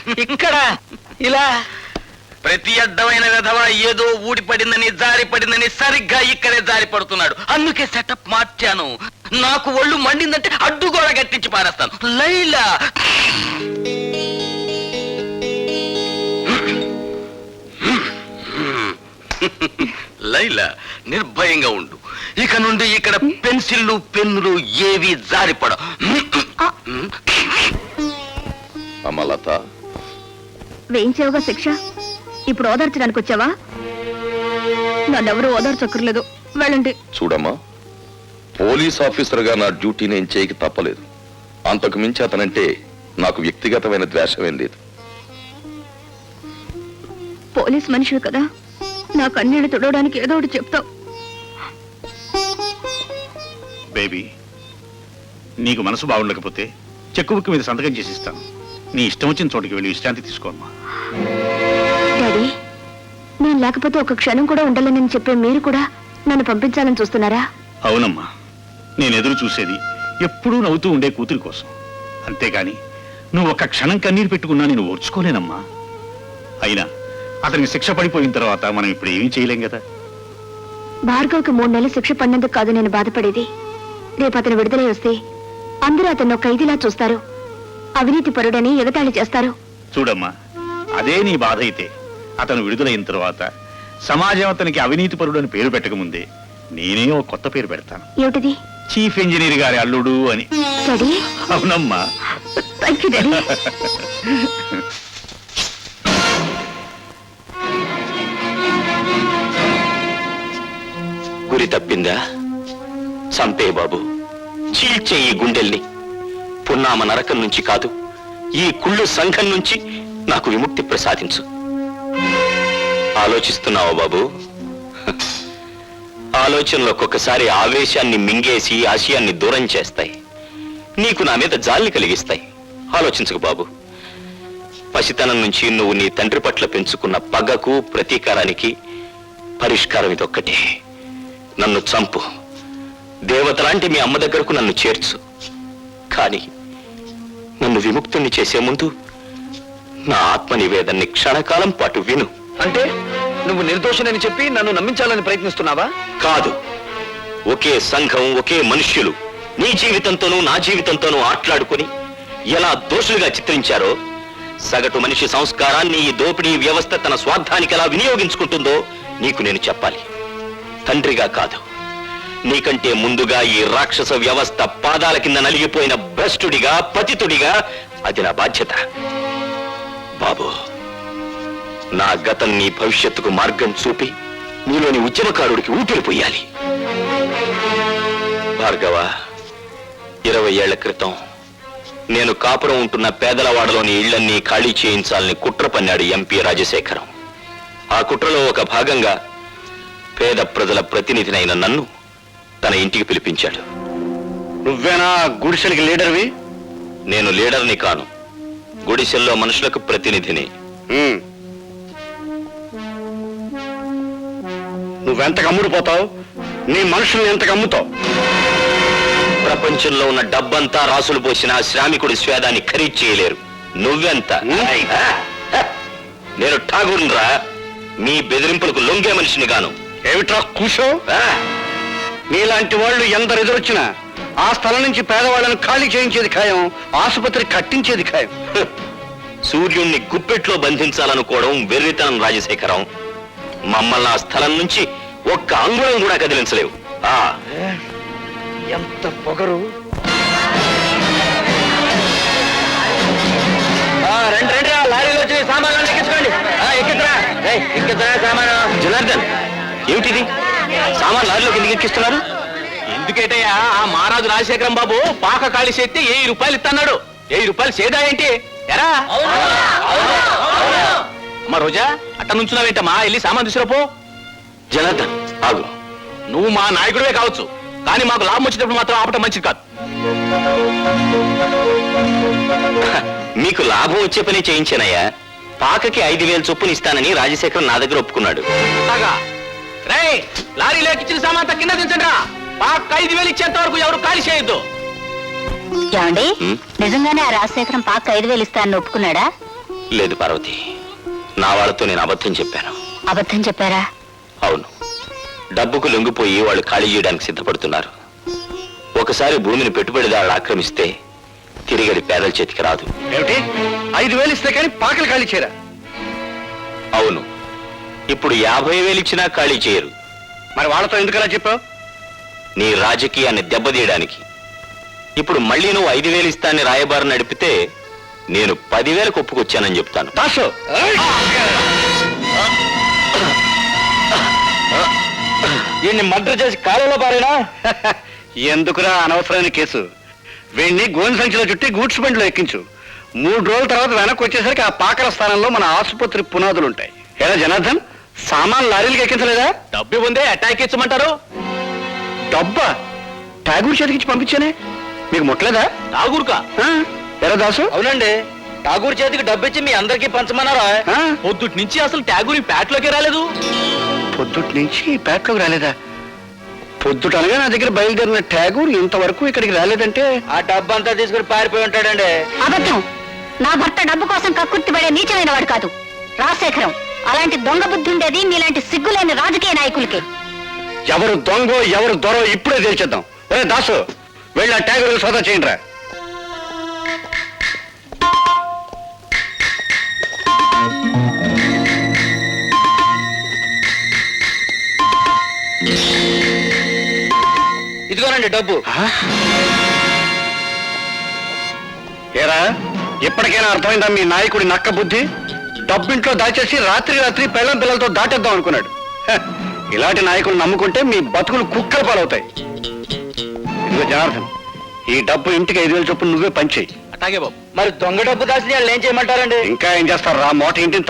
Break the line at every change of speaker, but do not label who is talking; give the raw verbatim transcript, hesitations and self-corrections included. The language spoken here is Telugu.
ఇక్కడ ఇలా ప్రతి అడ్డమైన విధవ ఏదో ఊడిపడిందని జారి పడిందని సరిగ్గా ఇక్కడే జారి పడుతున్నాడు. అందుకే సెటప్ మార్చాను. నాకు ఒళ్ళు మండిందంటే అడ్డుగోడ గట్టించి పారేస్తాను. లైలా లైలా నిర్భయంగా ఉండు. ఇక నుండి ఇక్కడ పెన్సిళ్ళు పెన్నులు ఏవి జారిపడ.
అమలత
వేయించావుగా శిక్ష, ఇప్పుడు ఓదార్చడానికి వచ్చావా? నన్నెవరూ ఓదార్చక్కర్లేదు, వెళ్ళండి.
చూడమ్మా, పోలీస్ ఆఫీసర్ గా నా డ్యూటీ నేను చేయక తప్పలేదు. అంతకు మించి అతనంటే నాకు వ్యక్తిగతమైన ద్వేషమేం లేదు.
పోలీస్ మనిషి కదా, నా కన్నీళ్ళు తుడవడానికి ఏదో ఒకటి చెప్తావు.
బేబీ, నీకు మనసు బాగుండకపోతే చెక్కు బుక్ మీద సంతకం చేసి ఇస్తాను. నీ ఇష్టం వచ్చిన చోటికి వెళ్ళి విశ్రాంతి తీసుకోమ్మా.
డాడీ, నేను లేకపోతే ఒక క్షణం కూడా ఉండాలని చెప్పే మీరు కూడా నన్ను పంపించాలని చూస్తున్నారా?
అవునమ్మా, నేను ఎదురు చూసేది ఎప్పుడూ నవ్వుతూ ఉండే కూతురి కోసం. అంతేగాని నువ్వు ఒక్క క్షణం కన్నీరు పెట్టుకున్నా నేను ఓర్చుకోలేనమ్మా. అయినా అతనికి శిక్ష పడిపోయిన తర్వాత మనం ఇప్పుడు ఏమీ చేయలేం కదా.
భార్గవ్కి మూడు నెలలు శిక్ష పడినందుకు కాదు నేను బాధపడేది. రేపు అతను విడుదలై వస్తే అందరూ అతను ఖైదీలా చూస్తారు, అవినీతి పరుడని ఎగతాళి చేస్తారు.
చూడమ్మా, అదే నీ బాధ అయితే అతను విడుదలైన తర్వాత సమాజం అతనికి అవినీతి పరుడు అని పేరు పెట్టకముందే నేనే ఒక కొత్త పేరు పెడతాను.
ఏమిటిది?
చీఫ్ ఇంజనీర్ గారి అల్లుడు అని.
డాడీ.
అవునమ్మా.
Thank you daddy.
గురి తప్పిందా? సంపే బాబు, చీల్చే ఈ గుండెల్ని. పున్నామ నరకం నుంచి కాదు, ఈ కుళ్ళు సంఘం నుంచి నాకు విముక్తి ప్రసాదించు. ఆలోచిస్తున్నావా బాబు? ఆలోచనలు ఒక్కొక్కసారి ఆవేశాన్ని మింగేసి ఆశయాన్ని దూరం చేస్తాయి. నీకు నా మీద జాలిని కలిగిస్తాయి. ఆలోచించకు బాబు. పసితనం నుంచి నువ్వు నీ తండ్రి పట్ల పెంచుకున్న పగకు ప్రతీకారానికి పరిష్కారం ఇదొక్కటే. నన్ను చంపు, దేవతలాంటి మీ అమ్మ దగ్గరకు నన్ను చేర్చు. కానీ నన్ను విముక్తుణ్ణి చేసే ముందు నా ఆత్మ నివేదన్ని క్షణకాలం పాటు విను.
అంటే నువ్వు నిర్దోషినని చెప్పి నన్ను నమ్మించాలని ప్రయత్నిస్తున్నావా?
కాదు, ఒకే సంఘం, ఒకే మనుష్యులు నీ జీవితంతోనూ నా జీవితంతోనూ ఆట్లాడుకుని ఎలా దోషులుగా చిత్రించారో, సగటు మనిషి సంస్కారాన్ని ఈ దోపిడీ వ్యవస్థ తన స్వార్థానికి ఎలా వినియోగించుకుంటుందో నీకు నేను చెప్పాలి. తండ్రిగా కాదు, నీకంటే ముందుగా ఈ రాక్షస వ్యవస్థ పాదాల కింద నలిగిపోయిన భ్రష్టుడిగా, పతితుడిగా అది నా బాధ్యత. బాబు, నా గతం నీ భవిష్యత్తుకు మార్గం చూపి నీలోని ఉద్యమకారుడికి ఊపిరిపోయాలి. భార్గవ, ఇరవై ఏళ్ల క్రితం నేను కాపురం ఉంటున్న పేదలవాడలోని ఇళ్లన్నీ ఖాళీ చేయించాలని కుట్ర పన్నాడు ఎంపీ రాజశేఖరం. ఆ కుట్రలో ఒక భాగంగా పేద ప్రజల ప్రతినిధినైన నన్ను తన ఇంటికి పిలిపించాడు.
నువ్వేనా గుడిసెలకి లీడర్వి?
నేను లీడర్ని కాను, గుడిసెల్లో మనుషులకు ప్రతినిధిని.
నువ్వెంత కమ్ముడిపోతావు? నీ మనుషుల్ని ఎంత కమ్ముతావు?
ప్రపంచంలో ఉన్న డబ్బంతా రాసులు పోసిన శ్రామికుడి స్వేదాన్ని ఖరీదు చేయలేరు. నువ్వెంత? నేను ఠాగూర్రా, మీ బెదిరింపులకు లొంగే మనిషిని గాను.
ఏమిట్రా కూసో? నీలాంటి వాళ్ళు ఎందరు ఎదురొచ్చినా ఆ స్థలం నుంచి పేదవాళ్ళని ఖాళీ చేయించేది ఖాయం, ఆసుపత్రి కట్టించేది ఖాయం.
సూర్యుణ్ణి గుప్పెట్లో బంధించాలనుకోవడం వెర్రితనం రాజశేఖరం. మమ్మల్ని ఆ స్థలం నుంచి ఒక్క అంగుళం కూడా కదిలించలేవు. ఆ
ఎంత పొగరు! రెండు రెండు లారీలో వచ్చి సామాన్లు ఎక్కించుకోండి. ఎక్కిద్రా ఎక్కిద్రా సామాను.
జనార్దన్, ఏమిటిది? సామాన్ లారీలోకి ఎందుకు ఎక్కిస్తున్నారు?
ఎందుకేటయ్యా, ఆ మహారాజు రాజశేఖరం బాబు పాక ఖాళీ చేస్తే వెయ్యి రూపాయలు ఇస్తున్నాడు. వెయ్యి రూపాయలు సేదా ఏంటి ఎరా? అమ్మా రోజా, అట్ట నుంచున్నావేంటమ్మా, వెళ్ళి సామాన్ తీసుకురాపో.
జనార్దన్ ఆగు.
నువ్వు మా నాయకుడివే కావచ్చు, కానీ మాకు లాభం వచ్చేటప్పుడు మాత్రం ఆపటం మంచిది కాదు.
మీకు లాభం వచ్చే పని చేయించానయ్యా. పాకకి ఐదు వేలు చొప్పున ఇస్తానని రాజశేఖరం నా దగ్గర ఒప్పుకున్నాడు.
రేయ్, లారీలో ఎక్కించిన సామాన్ కింద దించండి రా. పాక ఐదు వేలు ఇచ్చేంత వరకు ఎవరు ఖాళీ చేయొద్దు.
ఏమండి, నిజంగానే ఆ రాజశేఖరం పాక ఐదు వేలు ఇస్తానని ఒప్పుకున్నాడా?
లేదు పార్వతి, నా వాళ్ళతో నేను అబద్ధం చెప్పాను.
అబద్ధం చెప్పారా?
అవును, డబ్బుకు లొంగిపోయి వాళ్ళు ఖాళీ చేయడానికి సిద్ధపడుతున్నారు. ఒకసారి భూమిని పెట్టుబడిదారులు ఆక్రమిస్తే తిరిగడి పేదల చేతికి రాదు.
ఏమిటి, ఐదు వేలు ఇస్తే కానీ పాకలు ఖాళీ చేయరా?
అవును, ఇప్పుడు యాభై వేలు ఇచ్చినా ఖాళీ చేయరు.
మరి వాళ్ళతో ఎందుకలా చెప్పావు?
నీ రాజకీయాన్ని దెబ్బతీయడానికి. ఇప్పుడు మళ్ళీ నువ్వు ఐదు వేలు ఇస్తాన్ని రాయబారం నడిపితే నేను పదివేలకు ఒప్పుకొచ్చానని చెప్తాను.
దాసు,
వీడిని మర్డర్ చేసి కాలంలో పారేనా?
ఎందుకురా అనవసరమైన కేసు? వీడిని గోని సంచిలో చుట్టి గూడ్స్ బండిలో ఎక్కించు. మూడు రోజుల తర్వాత వెనక్కి వచ్చేసరికి ఆ పాకల స్థానంలో మన ఆసుపత్రి పునాదులు ఉంటాయి. ఎలా జనార్దన్, సామాన్ లారీలకు ఎక్కించలేదా?
డబ్బు ఉందే అటాక్ ఇచ్చమంటారు.
డబ్బా ఠాగూర్ చేతికిచ్చి పంపించానే, మీకు ముట్టలేదా?
ఠాగూర్కా?
ఆ, ఎరా దాసు?
అవునండి, ఠాగూర్ చేతికి డబ్బు ఇచ్చి మీ అందరికీ పంచమన్నారా?
ఆ?
పొద్దుటి నుంచి అసలు ఠాగూర్ ఈ ప్యాట్లోకి రాలేదు.
పొద్దుటి నుంచి పేటలోకి రాలేదా? పొద్దుట అనగా నా దగ్గర బయలుదేరిన ఠాగూర్ ఇంతవరకు ఇక్కడికి రాలేదంటే
ఆ డబ్బు అంతా తీసుకుని పారిపోయి ఉంటాడండి.
అబద్ధం. నా భర్త డబ్బు కోసం కక్కుర్తిపడే నీచమైన వాడు కాదు. రాజశేఖరం, అలాంటి దొంగ బుద్ధి ఉండేది మీలాంటి సిగ్గులేని రాజకీయ నాయకులకి.
ఎవరు దొంగో ఎవరు దొరో ఇప్పుడే తేల్చేద్దాం. ఒరే దాసు, వెళ్ళి ఆ ఠాగూర్ సోదా చేయండి రా.
ఇదిగోనండి డబ్బు.
ఏరా, ఎప్పటికైనా అర్థమైందా మీ నాయకుడి నక్క బుద్ధి? డబ్బింట్లో దాచేసి రాత్రి రాత్రి పెళ్ళం పిల్లలతో దాటేద్దాం అనుకున్నాడు. హ, ఇలాంటి నాయకులు నమ్ముకుంటే మీ బతుకులు కుక్కల పాలవుతాయి. ఇదిగో జనార్దన్, ఈ డబ్బు ఇంటికి ఐదు వేలు చొప్పున నువ్వే పంచేయి.
అట్లాగే బాబు. మరి దొంగ డబ్బు దాచిన వాళ్ళు ఏం చేయమంటారండి?
ఇంకా ఏం చేస్తారు రా, మోట ఇంటిని